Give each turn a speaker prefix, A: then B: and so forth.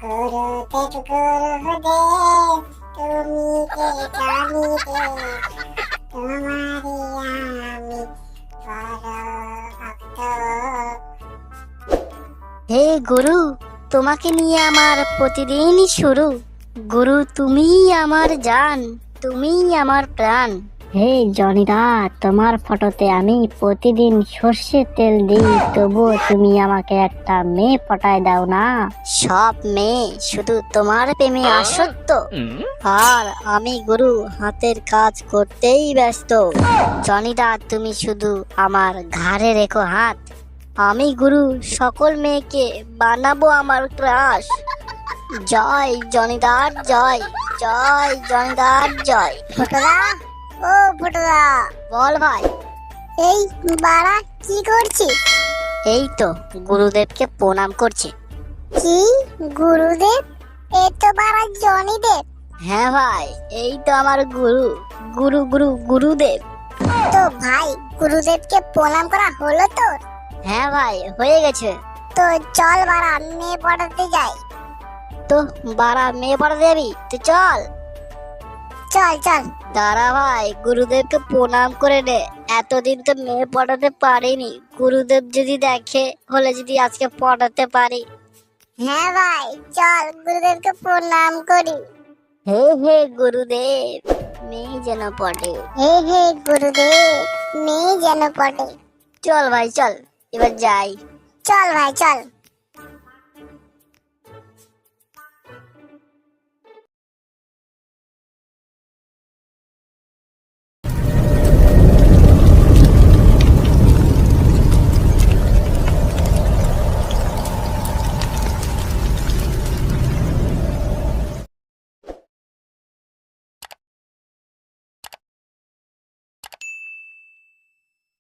A: গুরুদেব গুরুদেব তুমি কে জানি রে, তোমারি আমি বড় ভক্ত।
B: হে গুরু, তোমাকে নিয়ে আমার প্রতিদিনই শুরু। গুরু তুমিই আমার জান, তুমিই আমার প্রাণ। হে জনিদা, তোমার ফটোতে আমি প্রতিদিন সর্ষের তেল দিই, তবুও তুমি আমাকে একটা মেয়ে পটায় দাও না। সব মেয়ে শুধু তোমার প্রেমে আসক্ত, আর আমি গুরু হাতের কাজ করতেই ব্যস্ত। জনিদা তুমি শুধু আমার ঘাড়ে রেখো হাত, আমি গুরু সকল মেয়েকে বানাবো আমার ক্রাশ। জয় জনিদার জয়, জয় জনিদার জয়।
A: ফুটুদা, ও ফুটুদা,
B: বল ভাই।
A: এই বাড়া কি করছিস?
B: এই তো গুরুদেবকে প্রণাম করছি।
A: কি গুরুদেব? এ তো বাড়া জনিদেব।
B: হ্যাঁ ভাই, এই তো আমার গুরু, গুরু গুরু গুরুদেব।
A: তো ভাই, গুরুদেবকে প্রণাম করা হলো তোর?
B: হ্যাঁ ভাই, হয়ে গেছে।
A: তো চল বাড়া মেয়ে পড়াতে যাই।
B: তো বারা মেয়ে পড়াতে যাবি? তুই চল।
A: চল চল।
B: দাঁড়া ভাই, গুরুদেবকে প্রণাম করে নে। এতদিন তো মেয়ে পড়াতে পারিনি, গুরুদেব যদি দেখে হলে যদি আজকে পড়াতে পারি।
A: হ্যাঁ ভাই, চল গুরুদেবকে প্রণাম করি।
B: হে হে গুরুদেব, মেয়ে যেন পড়ে।
A: হে হে গুরুদেব, মেয়ে যেন পড়ে।
B: চল ভাই চল, এবার যাই।
A: চল ভাই চল।